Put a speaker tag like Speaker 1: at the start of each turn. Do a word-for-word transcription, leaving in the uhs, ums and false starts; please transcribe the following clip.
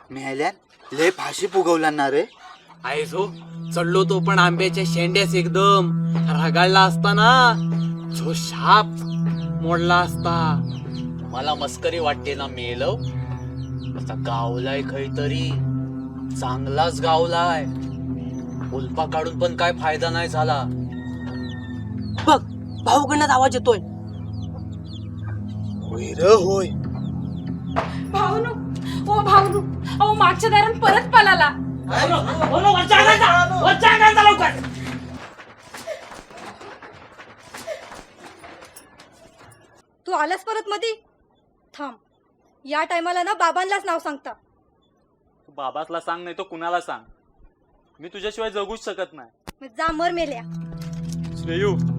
Speaker 1: मेल्यान लय फाशी फुगवला ना रे.
Speaker 2: आहे जो चढलो तो पण आंब्याच्या शेंड्यास एकदम रगाळला असता ना, जो शाप मोडला असता. मला मस्करी वाटते ना मेलव. आता गावलाय खैतरी, चांगलाच गावलाय. उल्पा काढून पण काय फायदा नाही झाला.
Speaker 3: बघ भाऊकडनं आवाज येतोय.
Speaker 1: होय र होय.
Speaker 4: भाऊनू ओ भाऊनू, अहो मागच्या दारात परत पळाला.
Speaker 5: तू आलास परत मधी? थांब, या टायमाला ना बाबांनाच नाव सांगता.
Speaker 6: तू बाबासला सांग, नाही तो कुणाला सांग, मी तुझ्याशिवाय जगूच शकत नाही.
Speaker 5: मग जा मर मेल्या.
Speaker 6: श्रेयू